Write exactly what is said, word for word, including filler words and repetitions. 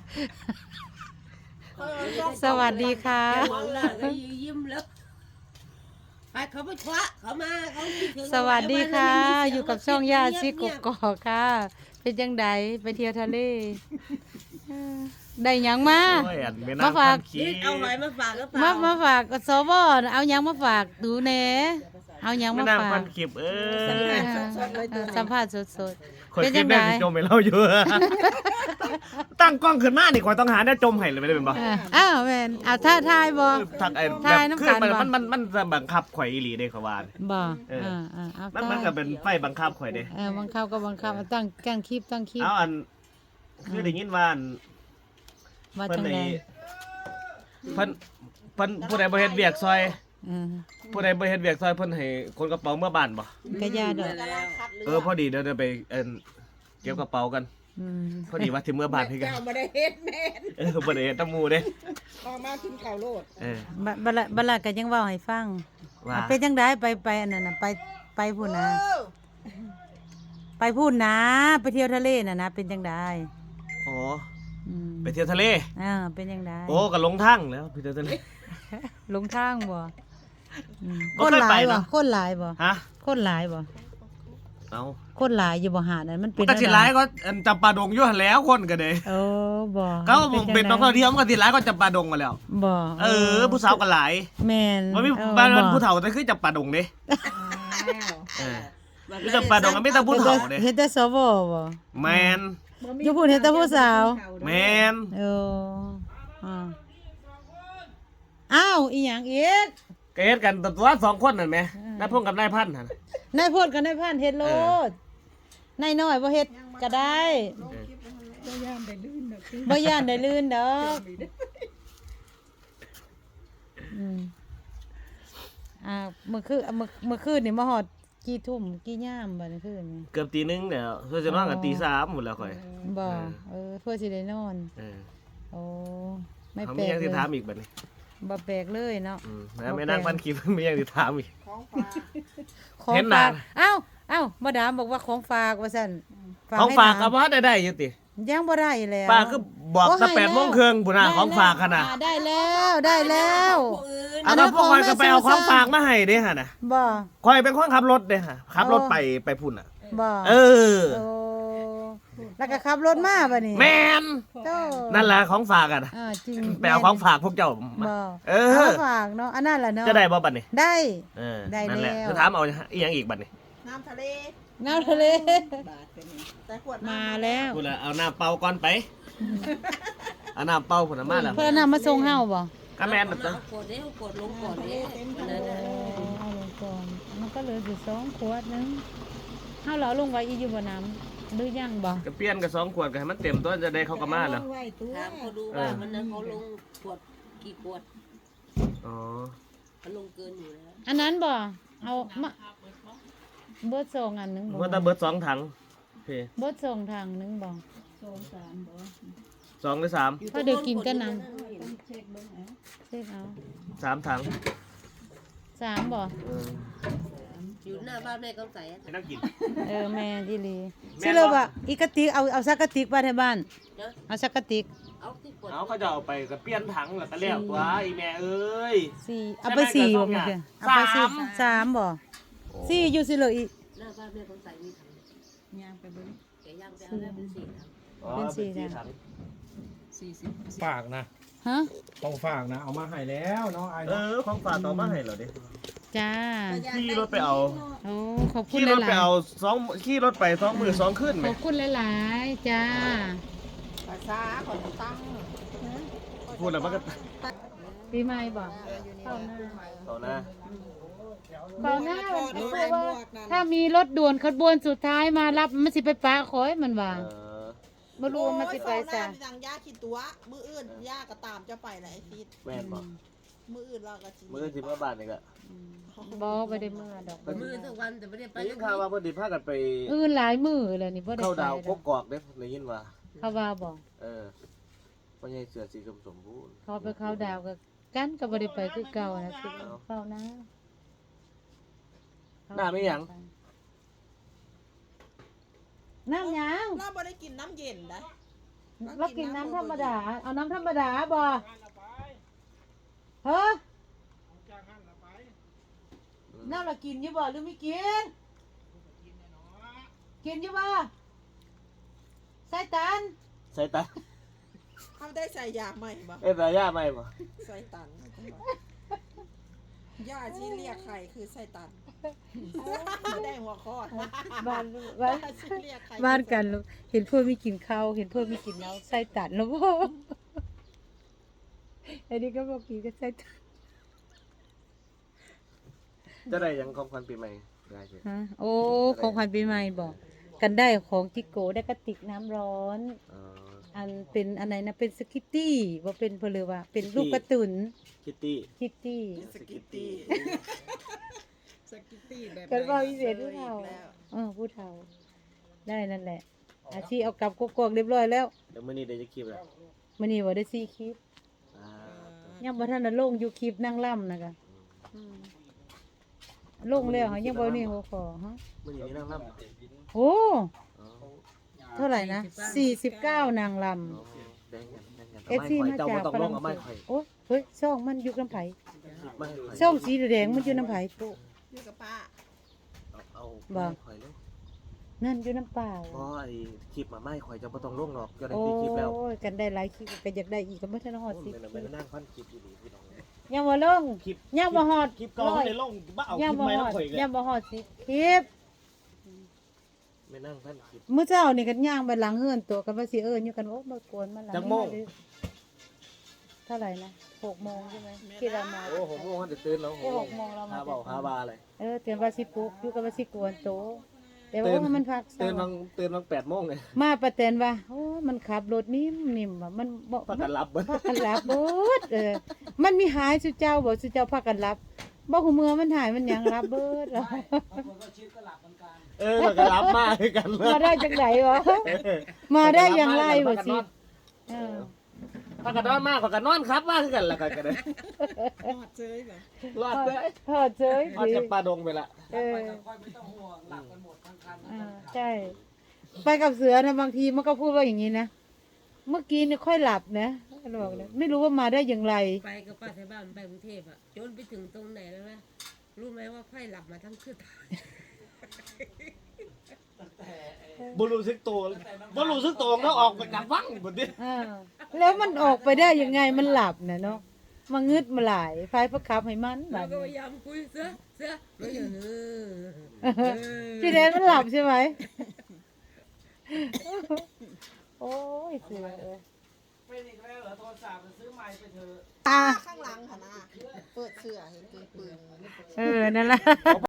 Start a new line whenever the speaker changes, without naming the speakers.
สวัสดีค่ะ
มองหน้าก็ยิ้มแล้วไปเขาไปคว้าเขามาเขาคิดถึง
สวัสดีค่ะ
เาไว้
อยู่กับช่องย่าชิกกอกค่ะ เป็นจังไดไปเที่ยวทะเลเออได้หยังมา
โอ้ยอันไม่
มา
น่า
ฝาก
พันขี้
นี่เอาหอยมาฝากก็เป
มา
ล่า
มาฝากสวเอาหยังมาฝากดูแหน่เอาหยัง
ไม่
มา
น่า
ฝา
พั
ก
นคลิปเอ
เอ
อ
อสัมภาษณ์สด
คน
เป็น
ค
จั
ลิป
ง
ได้
ได
จมไปเล่าอยู่ ตั้งกล้องขึ้นมาดิก่อนต้องหาได้จมให้เลยไม่ได้เป็นบ่
เอออ้าวแม่นเอาท่าทายบ่
ทักไอ้แบ
ถ่าย
บ
น้ำ
คื
กั
อน มัน
บ่
มันมันมันจะบังคับข่อยอีหลีเด้เขาว่า
บ่
เออ
อ่าอ่าเอา
มันมันก็เป็นไฟบังคับข่อยเด้
เออบังคับก็บังคับเอาตั้งตั้งคลิปตั้งคลิป
เอาอันคือได้ยินว่าอัน
ว่า
เพิ่น
จัง
ใน
ได
เพิ่นเพิ่นผู้ใดบ่เฮ็ดเวียกซอย
เออ
ผู้ใดบ่เฮ็ดเวียกซอยเพิ่นให้คนกระเป๋าเมื่อบ้านบ่
ก็ย่าดอก
เออพอดีเดี๋ยวเดี๋ยวไปเอิ่นเก็บกระเป๋ากัน
อืม
พอดีว่าถึงเมื่อบ้านให้กัน
เจ้าบ่ได้เฮ็ดแม่น
เออบ่ได้เฮ็ดตะหมู่เด้
ออกมากินข้าวโลด
เออ
บับัดละบัดละก็ยังเว้าให้ฟัง
ว่า
อ่ะเป็นจังไดไปไปอันนั้นน่ะไปไปพูดนะ
เออ
ไปพูดนะ ไปเที่ยวทะเลน่ะนะเป็นจังได
อ๋อ
อืม
ไปเที่ยวทะเล
อ่าเป็นจังได
โอ้ก็ลงทางแล้วไปเที่ยวทะเล
หลงทางบ่อืม
บ่
คน
เคย
หลา
ไป
ยบ่
เนอะ
คนหลายบ่
ฮะ
คนหลายบ่
เอา
คนหลายอยู่บ่หาดนั้นมันเป็น
ก็สิหลายก็อันจำปาดงอยู่หั่นแล้วคนก็เด้
โอ้บ่
ก็ผมเป็นนักท่องเที่ยวมันก็สิหลายก็จำปาดงมาแล้ว
บ่
เออ ผู้สาวก็หลาย
แม่น
บ่มี
เออ
บ้านมัน
บ่
ผู้เฒ่าแต่คือจำปาดงเด้เออคือจำปาดงก็มีแต่ผู้เฒ่าเด้
เฮ็ดแต่สวบ่
แมน
อยู่พูดเฮ็ดแต่ผู้สาว
แมน
เอออ่าอ้าวอีหยังอีก
ก็เฮ็ดกันตัวสองคนนั่นแหมนายพงกับนายพันธุ์หั่น
นายโพดกับนายพานเฮ็ดโลดนายน้อยบ่เฮ็ดก็ได้บ่ย่านได้ลื่นดอกอืมอ่าเมื่อคืนเมื่อเมื่อคืนนี่มาฮอดกี่ทุ่มกี่ยามบัดนี้คืนนี่
เกือบตีหนึงแล้วเพื่อจะนอนกันตีสามหมดแล้วข่อย
บ่เออเพื่อสิได้นอน
เออ
โอ้ไม่
เขา
แปล
มี
ก
หยัง
เล
สิ
ย
ถามอีกบัดนี้
บ่แปลกเลยเนาะ
อืมแล้วไม่นั่งพันคลิป มีหยังสิถามอีก
ของฝาก
ของ
เห็นหน้า
ฝากเอ้าเอ้ามาดามบอกว่าของฝากว่าซั่น
ของฝาก
ให้
เอา
หลน
บ่ได้ได้อยู่ติ
ยังบ่ได้แล้ว
ป้าคือบอก
โ
ตั้งแปดโมงครึ่งพุ่นน่ะ
ได้
ของฝากหั่นน่ะ
อ่ได้แล้วได้แล้ว
ผู้อื่น
เอาแล้วพวกข่อยก็ไปเอาของฝากมาให้เด้หั่นน่ะ
บ่
ข่อยเป็นคนขับรถเด้ฮะขับรถไปไปพุ่นน่ะ
บ่
เออ
โอ้แล้วก็ขับรถมาบัดนี้
แม่น
โต
นั่นแหละของฝากอ่ะนะ
อ่าจริง
ไปเอาของฝากพวกเจ้ามา
บ่
เอ
เอา
อ
มาฝากเนาะอันนั้นแหละเนาะ
จะได้บ่บัดนี้
ได้
เออ
ได้
นั่นแหละ
แล้ว
จะถามเอาอีหยังอีกบัดนี้
น้ำทะเล
น้ำทะเล
บาทเป็นนี่แต่ขวดน้ำ
มาแล้ว
พุ่นน่ะเอาน้ำเปล่าก่อนไปเอาน้ำเปล่าพุ่นน่ะมาแล้ว
เพิ่นเอาน้ำมาส่งเฮาบ่
ก็แม่น
เอา
น่ะจ้ะ
กดเด้กดลงก่อนเด้อันนั้นน่ะ
เอาลงก่อนมันก็เหลืออยู่สองขวดนึงเฮาเหลาลงไว้อีอยู่บ่น้ำหรือยังบ่
ก็เปลี่ยนกับสองขวดก็ให้มันเต็มตัวจะได้เข้ากับมาแล้ว
ไว้ตัว
ถามเขาดูว่ามันนั้นเขาลงขวดกี่ขวด
อ๋อ
เขาลงเกินอยู่แล้ว
อันนั้นบ่เอามาเบิดส่งอันหนึงบ่
ว่าแตะเบิดสองถังโอเค
เบิดส่งทางหนึงบ่
สองหรือสาม
เพราะเดี๋ยวกินกันน้ำเช็คเอา
สามถัง
สามบ่
เออ
อยู่หน้าบ้านแม่กำใสอะ
ให้นั่งกิน
เออแม่อีหลี
แม่นบ่
สิเลยว่าอีกระติกเอาเอาสักกระติกมาที่บ้าน
นะ
เอาสักกระติก
เอาที่ขวด
เอาเขาจะเอาไปก็เปลี่ยนถังแล้วก็แล้วตัวอีแม่เอ้ย
สี่เอาไปสี่บ่แม่เด้อเอาไปสี่
สาม
สามบ่สี่อยู่สิเลยอีก
หน้าบ้านแม่กำใสมีถัง
ย่างไปเบิ่ง
แกย่างไปเอาแล้วเป็นสี่ถัง
อ๋อ
เป็นสี่
สี่
ถัง
ถัง
สี่สิบ
ฝากนะ
ฮะ
ต้องฝากนะ เอามาให้แล้วเนาะไอ้
เอ
เนาะ
อของฝากต่อมาให้เหรอดิ
จ้า
ขี่รถไปเอา
โอ้ขอบคุณ
ขี่
ห
รถ
ลา
ไป
ย
เอาสองขี่รถไปสองมือสองขึ้น
ๆ
ไหม
ขอบคุณหลายๆจ้า
ภาษาขอนตั้ง
พูดแล้วมันก็
ปีใหม่บ่เข้าหน้า
ต่อหน้า
เข้าหน้าเพราะว่าถ้ามีรถด่วนขบวนสุดท้ายมารับมันสิไปปะขอยมันว่า
เออ
บ่รู้ว่ามันสิไปซะ
ทางย่าคิดตัว มืออื่นย่าก็ตามจะไปแหละไอ้ฟิด
แม่นบอก
มืออื่นเราก็สิ
มือสิมาบ้านนี่ก็
บ่ไปได้เมื่อดอก
มือทุกวันแต่ไม่ได้ไป
ไปยินข่าวว่าเพิ่นสิพากันไป
อื่นหลายมื้อแล้วนี่บ่ได้
เข้า
ไป
ดาว
ด
ก
อก
กอกเด้ได้ยินว่า
เขาว่าบ่
เออพ่อใหญ่เสือสีสมสมบูรณ์
เขาไปเข้าดาวก็กันก็บ่ได้ไปคือเก่านะคือเข้านะ
หน้าไม่หยัง
น้ำหยัง
เราบ่ได้กินน้ำเย็นนะ
เรากินน้ำธรรมดา เอาน้ำธรรมดาบ่เฮ้อน้ำเรากินอยู่บ่หรือไม่กิน กินอยู่บ่ใส่ตัน
ใส่ตา
เขาได้ใส่ยาใหม่บ่
เอ้ยตาย่าไหมบ่
ใส่ตันยาที่เรียกไข่คือใส่ตันได้หัวข้อ
บ้านบ้าน
ยาที่เรียกไข่
บ้านกันลูกเห็นเพื่อนไม่กินข้าวเห็นเพื่อนไม่กินแล้วใส่ตันแล้วบ่ไอ้นี่ก็บอกกินก็ใส่ตัน
จะได้หยังของขวัญปีใหม่ได้สิ
ฮะโอ้ของขวัญปีใหม่บอกกันได้ของจิโกได้กระติกน้ำร้อน
อ๋อ
อันเป็นอันไหนนะเป็นสกิตตี้ว่าเป็นเพลือว่าเป็นลูกกระตุน
คิตตี้
คิตตี้
สกิตตี้สกิตตี้แบบ
กันว่าพิเศษผู้เฒ่าเออผู้เฒ่าได้นั่นแหละ อาชีเอากลับกกอกเรียบร้อยแล้ว
เดี๋ยวมื้อนี้ได้จะคลิปแล้ว
มื้อนี้ว่าได้สี่คลิป
อ่า
ยังบ่ทันได้ลงอยู่คลิปนั่งล่ำนะคะอืมลงแล้วค่ะยังบ่นี่หัวขอฮะ
มื้อนี้มีนางรำ
โอ้
อ๋อ
เท่าไหร่นะสี่สิบเก้านางล
อ๋อแบ่งกันแบ่งกัน
ำเอฟซีมา
เจ้า
จาก
บ่ต้อง
ฝ
ล
รั่
ง
ง
เอา
เศ
ไม้
ส
ข่อย
โอ้ยเฮ้ยช่องมันอยู่น้ำไผ่
ไม้ข่อย
ช่องสีแดงมันอยู่น้ำไผ่
อยู่กับป้า
เอาเอา
บ่
ไม้ข่อยเลย
นั่นอยู่น้ำเปล่า
เพราะไอ้คลิปมาไม้ข่อยเจ้าบ่ต้องลงหรอกเจ้าได้
โอ้
กี่คลิปแล้ว
ยกันได้หลายคลิปก็อยากได้อีกก็ไม่ทันฮอดสิบ
โอ้ย
คลิป
มันนั่งพันคลิปอยู่ดีพี่น้อง
ยังบ่ลง
คลิป
ยังบ่ฮอด
คลิปเก่าไม่ได้ลงบ่เอาค
ยั
ลิ
ง
ป
บ่
ใหม่
ฮ
แล้
อ
ว
ด
ข่อยอีก
ยังบ่ฮอดสิบคลิป
ไม่นั่งพันคลิป
มื้อเช้านี่ก็ย่างไปหลังเฮือนตัวกันว่าสิเอิ้นอยู่กันโอ้มากวนมาหลัง
จักโมง
เท่าไหร่นะหกโมงใช่ไหมที่เรามา
โอ้โหโมงจะตื่นแล้ว
แค่หกโมงเรามา
หาเบาหาบาเลย
เออเตือนว่าสิปลุกอยู่กับว่าสิกวนโตแต่ว่า
ตื่น
โอ้มันพัก
ตื่น
เช้า
บางตื่นบางแปดโมงเลย
มาประแตนว่าโอ้มันขับรถนิ่มนิ่มว่ะมันบ่
พักกันรับเบิ้
พักกันรับเบิดเออมันมีหายสุเจ้าบ่สุเจ้าพักกันรับบ่หูเมือมันหายมันหยังรับเบิดเหรอ
เออพักกันรับมากกัน
มาได้จังไดวะมาได้อย่างไรบ่สิเออ
พักกันนอนมากพักกันนอนครับว่าคือกันละกันกันเลย
หอดเจยเหรอ
รอดเลย
ทอดเฉย
รอด
สิ
จากปลาดงไปละ
เอออ่าใช่ไปกับเสือนะบางทีมันก็พูดว่าอย่างนี้นะเมื่อกี้เนี่ยค่อยหลับนะบอกเลยไม่รู้ว่ามาได้อย่างไร
ไปกับป้าที่บ้านไปกรุงเทพอ่ะจนไปถึงตรงไหนแล้วนะรู้ไหมว่าไข้หลับมาทั้งคืน
บุรุษซึกตัวบุรุษซึกตัวเขาออกไปจากวังหมดดิ
อ่าแล้วมันออกไปได้ยังไงมันหลับนะเนาะมางึดมาหลายไฟประคับให้มันแบ
เรา
บ
ก็พ
นี้
ยายามคุยเสือเสือไม่เออ
พี่แดนมันหลับใช่ไหมโอ้ยเสือเอ้ย
เป็นอีกแล้วเหรอโทรศัพท์ซื้อใหม่ไปเถอะ
อ่า
ข้างหลังค่ะนะเปิดเสื้อเห็นปืนปืน
เออนั่นแหละ